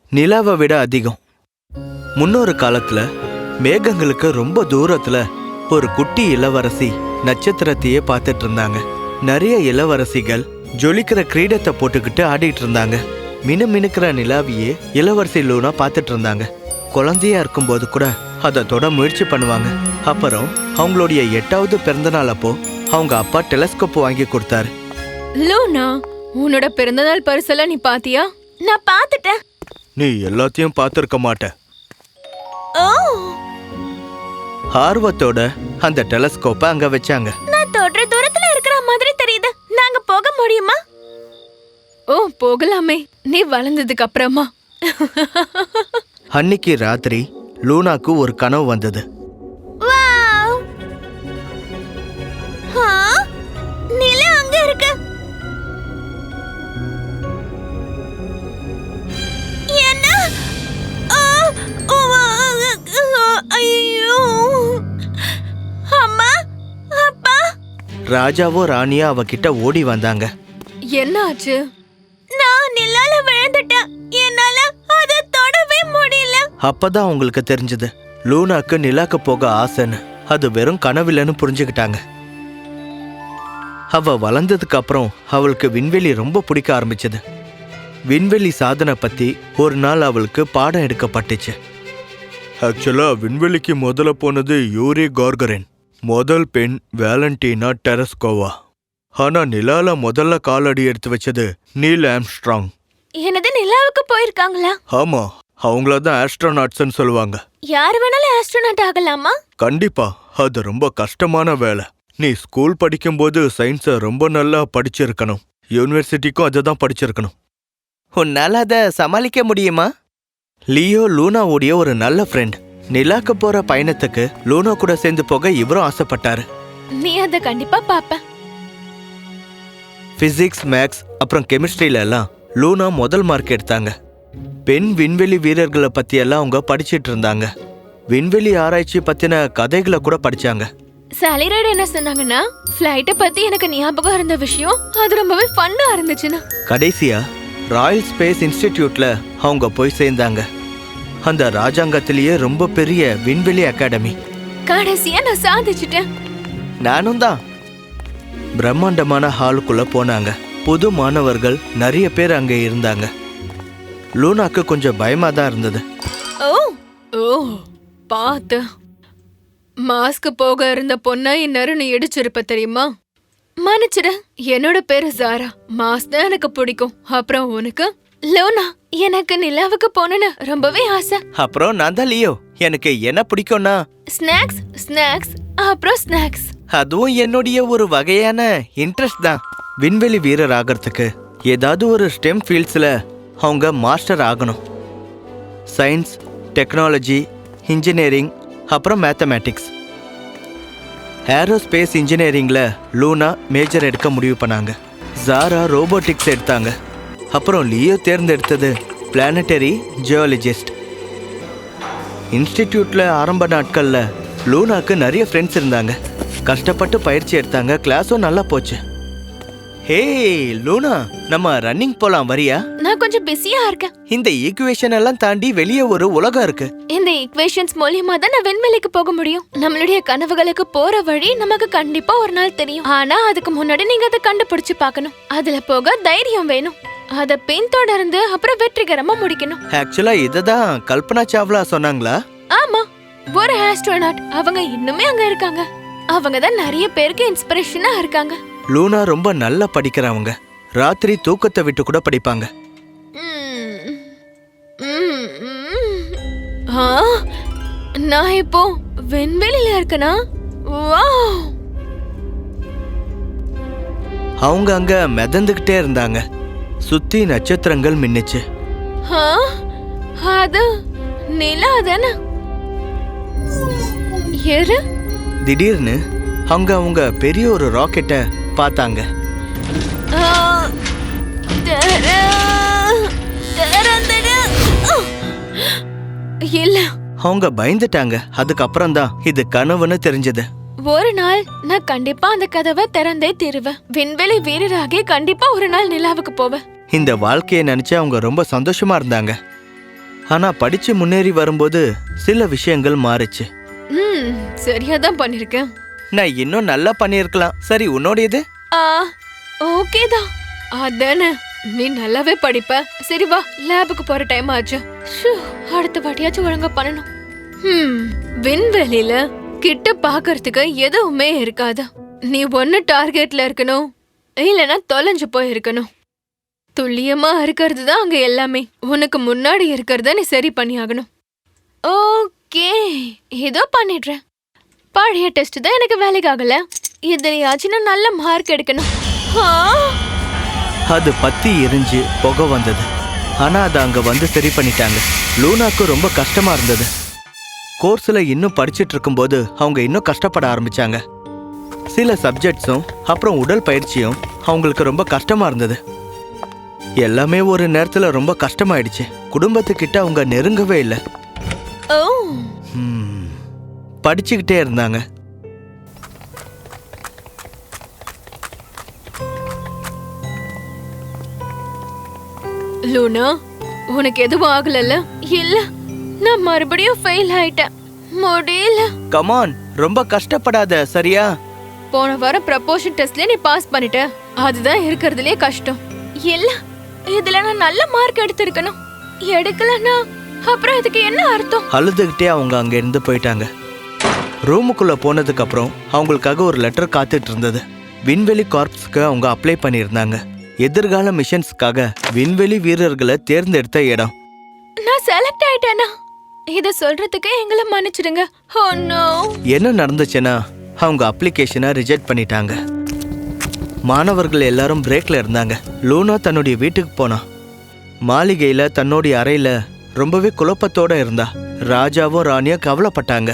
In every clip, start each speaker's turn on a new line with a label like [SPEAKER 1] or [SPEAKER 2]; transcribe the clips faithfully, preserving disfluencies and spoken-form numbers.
[SPEAKER 1] நிலாவை விட அதிகம். முன்னொரு காலத்துல மேகங்களுக்கு ரொம்ப தூரத்துல ஒரு குட்டி இளவரசி நட்சத்திரத்தையே பார்த்துட்டு இருந்தாங்க. நிறைய இளவரசிகள் ஜொலிக்கிற கிரீடத்தை போட்டுக்கிட்டு ஆடிட்டு இருந்தாங்க. மினு மினுக்கிற நிலாவியே இளவரசி லூனா பார்த்துட்டு இருந்தாங்க. குழந்தையா இருக்கும்போது கூட அதை தொட முயற்சி பண்ணுவாங்க. அப்புறம் அவங்களுடைய எட்டாவது பிறந்த நாள் அப்போ அவங்க அப்பா டெலஸ்கோப் வாங்கி கொடுத்தாரு.
[SPEAKER 2] லூனா, உன்னோட பிறந்தநாள் பரிசெல்லாம் நீ பாத்தியா?
[SPEAKER 3] நான் பாத்துட்டேன்.
[SPEAKER 1] நீ எல்லாத்தையும் பார்த்திருக்க மாட்ட. ஆர்வத்தோட அந்த டெலஸ்கோப்பை அங்க வச்சாங்க.
[SPEAKER 3] நான் தொடுற தூரத்துல இருக்கிற மாதிரி தெரியுது. நாங்க போக முடியுமா?
[SPEAKER 2] ஓ, போகலாமே, நீ வளர்ந்ததுக்கு அப்புறமா.
[SPEAKER 1] அன்னைக்கு ராத்திரி லூனாக்கு ஒரு கனவு வந்தது.
[SPEAKER 3] நிலா அங்க இருக்கு. என்ன? ஐயோ! அம்மா, அப்பா.
[SPEAKER 1] ராஜாவோ ராணியா அவகிட்ட ஓடி வந்தாங்க.
[SPEAKER 2] என்ன ஆச்சு?
[SPEAKER 3] நான் நிலால விழுந்துட்டேன். என்னால அதை தொடவே முடியல.
[SPEAKER 1] அப்பதான் அவங்களுக்கு தெரிஞ்சது லூனாக்கு நிலாக்கு போக ஆசைன்னு. அது வெறும் கனவில்லைன்னு புரிஞ்சுக்கிட்டாங்க. அவ வளர்ந்ததுக்கு அப்புறம் அவளுக்கு விண்வெளி ரொம்ப பிடிக்க ஆரம்பிச்சது. விண்வெளி சாதனை பத்தி ஒரு நாள் அவளுக்கு பாடம் எடுக்கப்பட்டுச்சு. ஆக்சுவலா விண்வெளிக்கு முதல்ல போனது யூரி கார்கரின், முதல் பெண் வேலண்டினா டெரஸ்கோவா. ஆனா நிலால முதல்ல காலடி எடுத்து வச்சது நீல் ஆம்ஸ்ட்ராங்.
[SPEAKER 3] என்னது, நிலாவுக்கு போயிருக்காங்களா?
[SPEAKER 1] ஆமா, அவங்களதான் ஆஸ்ட்ரோநாட்ஸ்ன்னு சொல்லுவாங்க.
[SPEAKER 3] யார் வேணாலும் ஆஸ்ட்ரோநாட் ஆகலாமா?
[SPEAKER 1] கண்டிப்பா, அது ரொம்ப கஷ்டமான வேலை. நீ ஸ்கூல் படிக்கும்போது சயின்ஸை ரொம்ப நல்லா படிச்சிருக்கணும். யூனிவர்சிட்டிக்கும் அதை தான் படிச்சிருக்கணும். உன்னால அதை சமாளிக்க முடியுமா? லியோ லூனாவுடைய ஒரு நல்ல ஃப்ரெண்ட். நிலாக்கு போற பயணத்துக்கு லூனா கூட சேர்ந்து போக இவரும் ஆசைப்பட்டாரு.
[SPEAKER 2] நீ அதை கண்டிப்பா பாப்ப.
[SPEAKER 1] பிசிக்ஸ், மேக்ஸ் அப்புறம் கெமிஸ்ட்ரியில எல்லாம் லூனா முதல் மார்க் எடுத்தாங்க. பெண் விண்வெளி வீரர்களை பத்தி எல்லாம் அவங்க படிச்சிட்டு இருந்தாங்க. விண்வெளி ஆராய்ச்சி பத்தின கதைகளை கூட படிச்சாங்க.
[SPEAKER 2] சாலிரைட் என்ன சொன்னாங்கன்னா, ஃப்ளைட்டை பத்தி எனக்கு ஞாபகம் இருந்த விஷயம் அது ரொம்பவே ஃபன்னா இருந்துச்சுன்னா.
[SPEAKER 1] கடைசியா ராயல் ஸ்பேஸ் இன்ஸ்டிடியூட்ல அவங்க போய் சேர்ந்தாங்க. அந்த ராஜாங்கத்திலேயே ரொம்ப பெரிய விண்வெளி அகாடமி.
[SPEAKER 2] கடைசியா நான் சாதிச்சுட்டேன்.
[SPEAKER 1] நானும் தான். பிரம்மாண்டமான ஹாலுக்குள்ள போனாங்க. புது மாணவர்கள் நிறைய பேர் அங்க இருந்தாங்க. லூனாக்கு கொஞ்சம் பயமா தான் இருந்தது.
[SPEAKER 2] ஓ ஓ பாத்து, மாஸ்க் போக இருந்த பொண்ணை இந்நேரம் நீ இடிச்சிருப்ப தெரியுமா? மன்னிச்சிட, என்னோட பேரு ஜாரா. மாஸ்க் தான் எனக்கு பிடிக்கும். அப்புறம் உனக்கு? லூனா, எனக்கு நிலாவுக்கு போகணும்னு ரொம்பவே ஆசை.
[SPEAKER 1] அப்புறம் நான் தான் லியோ. எனக்கு என்ன பிடிக்கும்னா
[SPEAKER 2] ஸ்நாக்ஸ் ஸ்நாக்ஸ் அப்புறம் ஸ்நாக்ஸ்.
[SPEAKER 1] அதுவும் என்னுடைய ஒரு வகையான இன்ட்ரெஸ்ட் தான். விண்வெளி வீரர் ஆகிறதுக்கு ஏதாவது ஒரு ஸ்டெம் ஃபீல்ட்ஸில் அவங்க மாஸ்டர் ஆகணும். சயின்ஸ், டெக்னாலஜி, இன்ஜினியரிங் அப்புறம் மேத்தமேட்டிக்ஸ். ஏரோஸ்பேஸ் இன்ஜினியரிங்கில் லூனா மேஜர் எடுக்க முடிவு பண்ணாங்க. ஜாரா ரோபோட்டிக்ஸ் எடுத்தாங்க. அப்புறம் லியோ தேர்ந்தெடுத்தது பிளானட்டரி ஜியாலஜிஸ்ட். இன்ஸ்டிடியூட்டில் ஆரம்ப நாட்களில் லூனாக்கு நிறைய ஃப்ரெண்ட்ஸ் இருந்தாங்க. கஷ்டப்பட்டு பயிற்சி எடுத்தாங்க. கிளாஸும் நல்லா போச்சு. ஹே லூனா, நம்ம ரன்னிங் போலாம், வரியா?
[SPEAKER 2] நான் கொஞ்சம் பிஸியா இருக்கேன்.
[SPEAKER 1] இந்த ஈக்குவேஷன் எல்லாம் தாண்டி வெளியே ஒரு உலகம் இருக்கு.
[SPEAKER 2] இந்த ஈக்குவேஷன்ஸ் மூலியமா தான் நான் விண்வெளிக்கு போக முடியும். நம்மளுடைய கனவுகளுக்கு போற வழி நமக்கு கண்டிப்பா ஒரு நாள் தெரியும். ஆனா அதுக்கு முன்னாடி நீங்க அதை கண்டுபிடிச்சு பார்க்கணும். அதுல போக தைரியம் வேணும். அதை பின்தொடர்ந்து அப்புறம் வெற்றிகரமா முடிக்கணும்.
[SPEAKER 1] ஆக்சுவலா இதுதான் கல்பனா சாவ்லா சொன்னாங்களா?
[SPEAKER 2] ஆமா, ஒரு ஆஸ்ட்ரோநாட். அவங்க இன்னுமே அங்க இருக்காங்க. அவங்க தான் நிறைய பேருக்கு இன்ஸ்பிரேஷனா இருக்காங்க.
[SPEAKER 1] லூனா ரொம்ப நல்லா படிக்கிறவங்க. ராத்திரி தூக்கத்தை விட்டு கூட படிப்பாங்க.
[SPEAKER 2] நான் இப்போ விண்வெளியில இருக்கனா?
[SPEAKER 1] அவங்க அங்க மிதந்துகிட்டே இருந்தாங்க. சுத்தி நட்சத்திரங்கள் மின்னுச்சு.
[SPEAKER 2] அது நிலா தானே?
[SPEAKER 1] திடீர்னு அங்க அவங்க பெரிய ஒரு ராக்கெட்டை பார்த்தாங்க.
[SPEAKER 2] இல்ல,
[SPEAKER 1] அவங்க பயந்துட்டாங்க. அதுக்கப்புறம் தான் இது கனவுன்னு தெரிஞ்சது.
[SPEAKER 2] ஒரு நாள் நான் கண்டிப்பா அந்த கதவை திறந்தே தீருவேன். விண்வெளி வீரராகி கண்டிப்பா ஒரு நாள் நிலாவுக்கு போவேன்.
[SPEAKER 1] இந்த வாழ்க்கையை நினைச்சு அவங்க ரொம்ப சந்தோஷமா இருந்தாங்க. ஆனா படிச்சு முன்னேறி வரும்போது சில விஷயங்கள் மாறுச்சு.
[SPEAKER 2] ம் சரியா தான் பண்ணிருக்கேன்.
[SPEAKER 1] நான் இன்னும் நல்லா பண்ணியிருக்கலாம். சரி, உன்னோடையது?
[SPEAKER 2] ஆ ஓகே தான். அதானே, நீ நல்லாவே படிப்ப. சரி வா, லேபுக்கு போற டைம் ஆச்சு. ஷூ, அடுத்த வாட்டியாச்சும் ஒழுங்கா பண்ணணும். ம் விண்வெளியில கிட்ட பாக்குறதுக்கு எதுவுமே இருக்காது. நீ ஒன்னு டார்கெட்ல இருக்கணும், இல்லனா தொலைஞ்சு போய் இருக்கணும். துல்லியமா இருக்கிறது தான் அங்க எல்லாமே. உனக்கு முன்னாடி இருக்கிறத நீ சரி பண்ணி ஆகணும். ஓகே, ஏதோ பண்ணிடுறேன். பழைய டெஸ்ட் தான் எனக்கு வேலைக்கு ஆகல. இதுலயாச்சும் நல்ல மார்க் எடுக்கணும். ஆ!
[SPEAKER 1] அது பத்தி எரிஞ்சு புகை வந்தது. ஆனா அதை அங்க வந்து சரி பண்ணிட்டாங்க. லூனாக்கு ரொம்ப கஷ்டமா இருந்தது. கோர்ஸ்ல இன்னும் படிச்சிட்டு இருக்கும்போது அவங்க இன்னும் கஷ்டப்பட ஆரம்பிச்சாங்க. சில சப்ஜெக்ட்ஸும் அப்புறம் உடல் பயிற்சியும் அவங்களுக்கு ரொம்ப கஷ்டமா இருந்தது. எல்லாமே ஒரு நேரத்துல ரொம்ப கஷ்டமாயிடுச்சு. குடும்பத்துக்கிட்ட அவங்க நெருங்கவே இல்லை.
[SPEAKER 2] ஓ
[SPEAKER 1] படிச்சுக்கிட்டே இருந்தாங்க.
[SPEAKER 2] லூனா, உனக்கு எதுவும் ஆகலல்ல? இல்ல, நான் மறுபடியும் ஃபெயில் ஆயிட்டேன். முடியல.
[SPEAKER 1] கமான், ரொம்ப கஷ்டப்படாத, சரியா?
[SPEAKER 2] போன வாரம் ப்ரப்போஷன் டெஸ்ட்ல நீ பாஸ் பண்ணிட்ட. அதுதான் இருக்கிறதுலே கஷ்டம்.
[SPEAKER 3] இல்ல, இதுல நான் நல்ல மார்க் எடுத்திருக்கணும். எடுக்கலனா அப்புறம் இதுக்கு என்ன அர்த்தம்?
[SPEAKER 1] அழுதுகிட்டே அவங்க அங்க இருந்து போயிட்டாங்க. ரூமுக்குள்ள போனதுக்கு அப்புறம் அவங்களுக்காக ஒரு லெட்டர் காத்துட்டு இருந்தது. விண்வெளி கார்ப்ஸ்க்கு அவங்க அப்ளை பண்ணியிருந்தாங்க. எதிர்கால மிஷன்ஸ்க்காக விண்வெளி வீரர்களை தேர்ந்தெடுத்த இடம்.
[SPEAKER 3] நான் செலக்ட் ஆயிட்டேனா? இத சொல்றதுக்கு எங்களை மன்னிச்சிடுங்க. Oh no.
[SPEAKER 1] என்ன நடந்துச்சுன்னா அவங்க அப்ளிகேஷனை ரிஜெக்ட் பண்ணிட்டாங்க. மாணவர்கள் எல்லாரும் பிரேக்ல இருந்தாங்க. லூனா தன்னுடைய வீட்டுக்கு போனா. மாளிகையில தன்னுடைய அறையில ரொம்பவே குழப்பத்தோட இருந்தா. ராஜாவும் ராணியும் கவலைப்பட்டாங்க.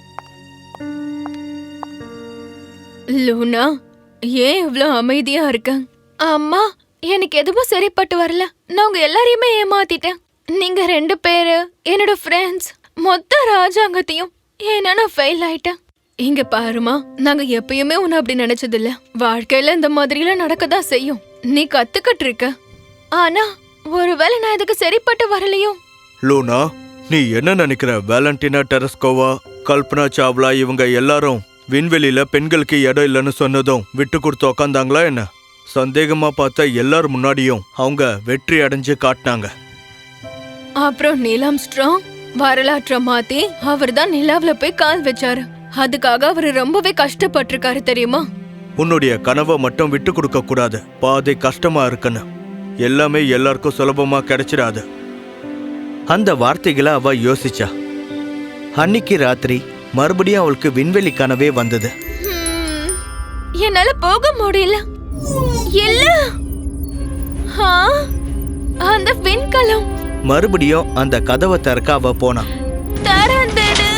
[SPEAKER 2] லூனா, ஏன் இவ்ளோ அமைதியா இருக்க?
[SPEAKER 3] அம்மா, எனக்கு எதுவும் சரிப்பட்டு வரல. நான் உங்க எல்லாரையுமே ஏமாத்திட்டேன். நீங்க ரெண்டு பேரு, என்னோட ஃப்ரெண்ட்ஸ், மொத்த ராஜாங்கத்தையும். ஏன்னா நான் ஃபெயில் ஆயிட்டேன்.
[SPEAKER 2] இங்க பாருமா, நாங்க எப்பயுமே உன்னை அப்படி நினைச்சது இல்ல. வாழ்க்கையில இந்த மாதிரிலாம் நடக்கதான் செய்யும். நீ கத்துக்கிட்டு இருக்க.
[SPEAKER 3] ஆனா ஒருவேளை நான் இதுக்கு சரிப்பட்டு வரலையோ?
[SPEAKER 1] லூனா, நீ என்ன நினைக்கிற? வேலண்டினா டெரஸ்கோவா, கல்பனா சாவ்லா இவங்க எல்லாரும் விண்வெளியில பெண்களுக்கு இடம் இல்லைன்னு சொன்னதும் விட்டு கொடுத்து உக்காந்தாங்களா என்ன? சந்தேகமா பார்த்த எல்லாரும் முன்னாடியும் அவங்க வெற்றி அடைஞ்சு காட்டினாங்க.
[SPEAKER 2] அப்புறம் நீலாம் ஸ்ட்ராங் வரலாற்றை மாத்தி அவர் தான் நிலாவுல போய் கால் வச்சாரு. அதுக்காக அவரு ரொம்பவே கஷ்டப்பட்டிருக்காரு தெரியுமா?
[SPEAKER 1] உன்னுடைய கனவை மட்டும் விட்டு கொடுக்க கூடாது. பாதை கஷ்டமா இருக்குன்னு எல்லாமே எல்லாருக்கும் சுலபமா கிடைச்சிடாது. அந்த வார்த்தைகளை அவ யோசிச்சா. அன்னைக்கு ராத்திரி மறுபடியும் அவளுக்கு விண்வெளி கனவே வந்தது.
[SPEAKER 3] ஹம், என்னால போக முடியல. இல்ல, ஆ, அந்த விண்கலம்
[SPEAKER 1] மறுபடியும் அந்த கதவை திறக்க அவ போனா.
[SPEAKER 3] திறந்துடு.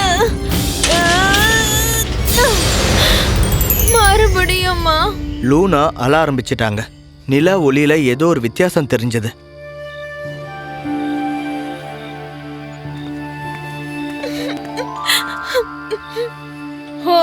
[SPEAKER 3] மறுபடியுமா?
[SPEAKER 1] லூனா அழ ஆரம்பிச்சிட்டாங்க. நிலா ஒளியில ஏதோ ஒரு வித்தியாசம் தெரிஞ்சது.
[SPEAKER 2] ஓ,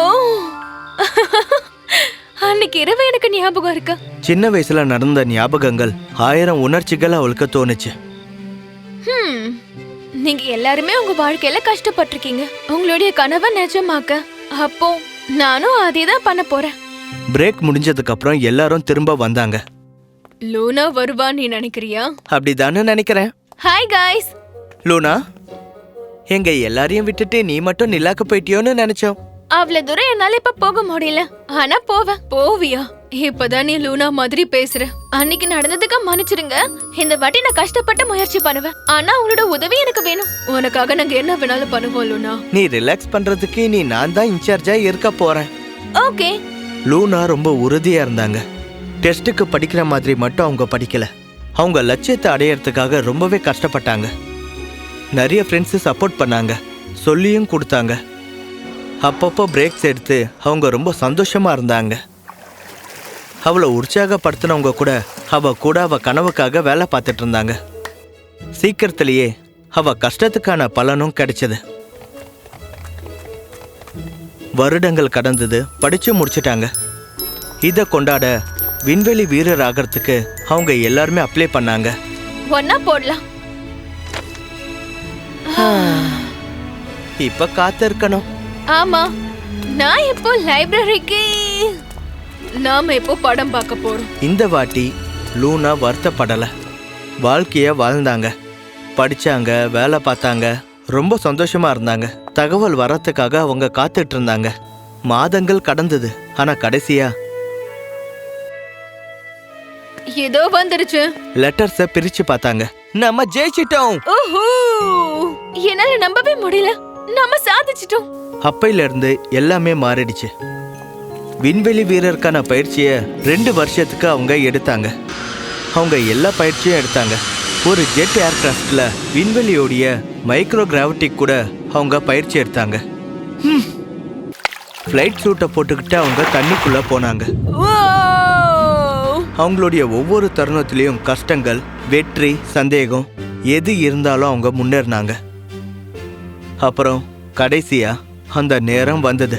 [SPEAKER 2] அன்னைக்கு இரவு எனக்கு ஞாபகம் இருக்கு.
[SPEAKER 1] சின்ன வயசுல நடந்த ஞாபகங்கள், ஆயிரம் உணர்ச்சிகள் அவளுக்கு தோணுச்சு.
[SPEAKER 3] ஹம், நீங்க எல்லாருமே உங்க வாழ்க்கையில கஷ்டப்பட்டிருக்கீங்க. உங்களுடைய கனவை நிஜமாக்க அப்போ நானும் அதே தான் பண்ண போறேன்.
[SPEAKER 1] பிரேக் முடிஞ்சதுக்கு அப்புறம் எல்லாரும் திரும்ப வந்தாங்க.
[SPEAKER 2] லூனா வருவா நீ நினைக்கிறியா?
[SPEAKER 1] அப்படிதானே நினைக்கிறேன்.
[SPEAKER 3] Hi guys.
[SPEAKER 1] லூனா, எங்க எல்லாரையும் விட்டுட்டு நீ மட்டும் நிலாக்கு போயிட்டியோன்னு நினைச்சோம்.
[SPEAKER 3] அவ்வளவு தூரம் என்னால இப்ப போக முடியல. ஆனா போவேன்.
[SPEAKER 2] போவியா? இப்பதான் நீ லூனா மாதிரி பேசுற.
[SPEAKER 3] அன்னைக்கு நடந்ததுக்கு மன்னிச்சிடுங்க. இந்த வாட்டி நான் கஷ்டப்பட்டு முயற்சி பண்ணுவேன். ஆனா உங்களோட உதவி எனக்கு வேணும்.
[SPEAKER 2] உனக்காக நாங்க என்ன வேணாலும் பண்ணுவோம் லூனா.
[SPEAKER 1] நீ ரிலாக்ஸ் பண்றதுக்கு நீ நான் தான் இன்சார்ஜா இருக்க போறேன்.
[SPEAKER 3] ஓகே.
[SPEAKER 1] லூனா ரொம்ப உறுதியா இருந்தாங்க. டெஸ்ட்டுக்கு படிக்கிற மாதிரி மட்டும் அவங்க படிக்கல. அவங்க லட்சியத்தை அடையறதுக்காக ரொம்பவே கஷ்டப்பட்டாங்க. நிறைய ஃப்ரெண்ட்ஸு சப்போர்ட் பண்ணாங்க, சொல்லியும் கொடுத்தாங்க. அப்பப்போ பிரேக்ஸ் எடுத்து அவங்க ரொம்ப சந்தோஷமா இருந்தாங்க. அவளை உற்சாகப்படுத்தினவங்க கூட அவ கூட அவ கனவுக்காக வேலை பார்த்துட்டு இருந்தாங்க. சீக்கிரத்திலேயே அவ கஷ்டத்துக்கான பலனும் கிடைச்சது. வருடங்கள் கடந்தது, படிச்சு முடிச்சிட்டாங்க. இதை கொண்டாட விண்வெளி வீரர் ஆகிறதுக்கு அவங்க எல்லாருமே அப்ளை பண்ணாங்க.
[SPEAKER 3] ஒன்னா போடலாம்.
[SPEAKER 1] இப்ப காத்திருக்கணும்.
[SPEAKER 3] ஆமா, நான் இப்போ லைப்ரரிக்கு.
[SPEAKER 2] நாம இப்போ படம் பார்க்க போறோம்.
[SPEAKER 1] இந்த வாட்டி லூனா வருத்தப்படல. வாழ்க்கைய வாழ்ந்தாங்க, படிச்சாங்க, வேலை பார்த்தாங்க, ரொம்ப சந்தோஷமா இருந்தாங்க. தகவல் வரத்துக்காக அவங்க காத்துட்டு இருந்தாங்க. மாதங்கள் கடந்தது. ஆனா கடைசியா
[SPEAKER 2] ஏதோ வந்துருச்சு.
[SPEAKER 1] லெட்டர்ஸ பிரிச்சு பார்த்தாங்க. நம்ம ஜெயிச்சிட்டோம்.
[SPEAKER 3] ஓஹோ, என்னால நம்பவே முடியல. நாம சாதிச்சிட்டோம்.
[SPEAKER 1] அப்பையில இருந்து எல்லாமே மாறிடுச்சு. விண்வெளி வீரருக்கான பயிற்சிய ரெண்டு வருஷத்துக்கு அவங்க எடுத்தாங்க. அவங்க எல்லா பயிற்சியும் எடுத்தாங்க. ஒரு ஜெட் ஏர்கிராஃப்ட்ல விண்வெளியோடைய மைக்ரோ கிராவிட்டி கூட அவங்க பயிற்சி எடுத்தாங்க. ஃப்ளைட் சூட்டை போட்டுக்கிட்டு அவங்க தண்ணிக்குள்ள போனாங்க. அவங்களுடைய ஒவ்வொரு தருணத்திலையும் கஷ்டங்கள், வெற்றி, சந்தேகம் எது இருந்தாலும் அவங்க முன்னேறினாங்க. அப்புறம் கடைசியா அந்த நேரம் வந்தது.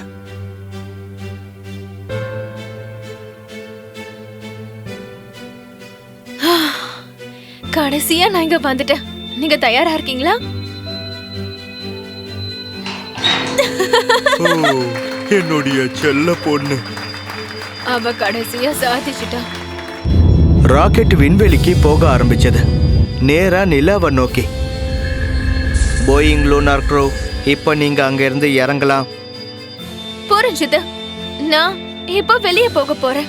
[SPEAKER 3] கடைசியா நான் இங்க வந்துட்டேன். நீங்க தயாரா இருக்கீங்களா?
[SPEAKER 1] என்னுடைய செல்ல பொண்ணு.
[SPEAKER 2] அவ கடைசியா சாதிச்சிட்டா.
[SPEAKER 1] ராக்கெட் விண்வெளிக்கு போக ஆரம்பிச்சது, நேரா நிலாவை நோக்கி. போயிங் லூனார் க்ரூ, இப்போ நீங்க அங்க இருந்து இறங்கலாம்.
[SPEAKER 3] புரிஞ்சுது. நான் இப்போ வெளியே போக போறேன்.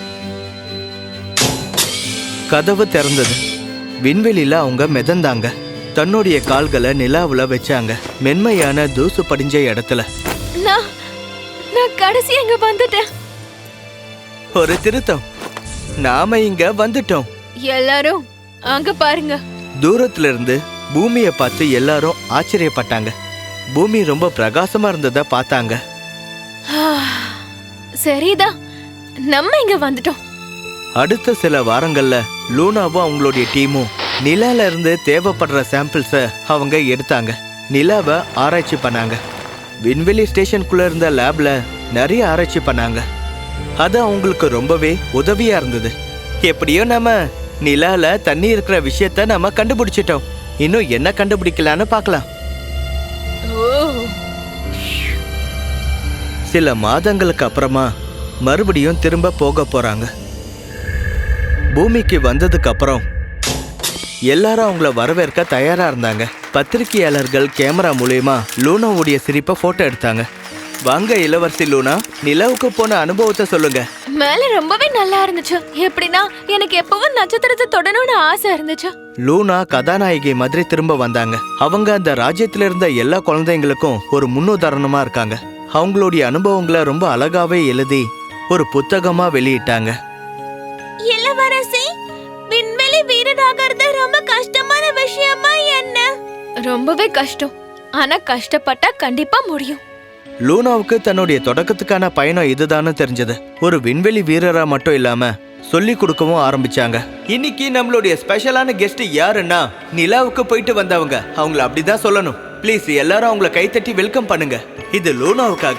[SPEAKER 1] கதவு திறந்தது. விண்வெளியில அவங்க மிதந்தாங்க. தன்னுடைய கால்களை நிலாவுல வச்சாங்க, மென்மையான தூசு படிஞ்ச இடத்துல.
[SPEAKER 3] நான் நான் கடைசியா இங்க வந்துட்டேன்.
[SPEAKER 1] ஒரு திருத்தம், நாம இங்க வந்துட்டோம்.
[SPEAKER 2] எல்லாரும் அங்க பாருங்க.
[SPEAKER 1] தூரத்துல இருந்து பூமியை பார்த்து எல்லாரும் ஆச்சரியப்பட்டாங்க. பூமி ரொம்ப பிரகாசமா இருந்ததை பார்த்தாங்க.
[SPEAKER 3] சரிதான், நம்ம இங்க வந்துட்டோம்.
[SPEAKER 1] அடுத்த சில வாரங்கள்ல லூனாவும் அவங்களுடைய டீமும் நிலால இருந்து தேவைப்படுற சாம்பிள்ஸ அவங்க எடுத்தாங்க. நிலாவை ஆராய்ச்சி பண்ணாங்க. விண்வெளி ஸ்டேஷனுக்குள்ள இருந்த லேப்ல நிறைய ஆராய்ச்சி பண்ணாங்க. அது அவங்களுக்கு ரொம்பவே உதவியா இருந்தது. எப்படியோ நம்ம நிலால தண்ணி இருக்கிற விஷயத்த நம்ம கண்டுபிடிச்சிட்டோம். இன்னும் என்ன கண்டுபிடிக்கலான்னு பார்க்கலாம். சில மாதங்களுக்கு அப்புறமா மறுபடியும் திரும்ப போக போறாங்க. பூமிக்கு வந்ததுக்கு அப்புறம் எல்லாரும் அவங்கள வரவேற்க தயாரா இருந்தாங்க. பத்திரிகையாளர்கள் கேமரா மூலியமா லூனாவுடைய சிரிப்பை போட்டோ எடுத்தாங்க. வாங்க இளவரசி லூனா, நிலவுக்கு போன அனுபவத்தை சொல்லுங்க.
[SPEAKER 3] மேல ரொம்பவே நல்லா இருந்துச்சு. எப்படின்னா எனக்கு எப்பவும் நட்சத்திரத்தை தொடணும்னு ஆசை இருந்துச்சு.
[SPEAKER 1] லூனா கதாநாயகி மாதிரி திரும்ப வந்தாங்க. அவங்க அந்த ராஜ்யத்துல இருந்த எல்லா குழந்தைங்களுக்கும் ஒரு முன்னுதாரணமா இருக்காங்க. அவங்களுடைய அனுபவங்களை ரொம்ப அழகாவே எழுதி ஒரு புத்தகமா வெளியிட்டாங்க.
[SPEAKER 3] இளவரசி, விண்வெளி வீரராகிறது ரொம்ப கஷ்டமான விஷயமா என்ன? ரொம்பவே கஷ்டம். ஆனா கஷ்டப்பட்டா கண்டிப்பா முடியும்.
[SPEAKER 1] லூனாவுக்கு தன்னுடைய தொடக்கத்துக்கான பயணம் இதுதான்னு தெரிஞ்சது. ஒரு விண்வெளி வீரரா மட்டும் இல்லாம சொல்லி கொடுக்கவும் ஆரம்பிச்சாங்க. இன்னைக்கு நம்மளுடைய ஸ்பெஷலான கெஸ்ட் யாருன்னா நிலாவுக்கு போயிட்டு வந்தவங்க. அவங்கள அப்படிதான் சொல்லணும். ப்ளீஸ் எல்லாரும் அவங்கள கைத்தட்டி வெல்கம் பண்ணுங்க. இது லூனாவுக்காக.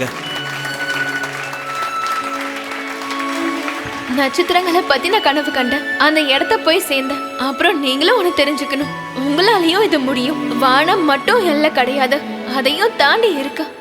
[SPEAKER 3] நட்சத்திரங்களை பத்தி நான் கனவு கண்டேன். அந்த இடத்த போய் சேர்ந்தேன். அப்புறம் நீங்களும் ஒண்ணு தெரிஞ்சுக்கணும். உங்களாலையும் இது முடியும். வானம் மட்டும் எல்லை கிடையாது, அதையும் தாண்டி இருக்கு.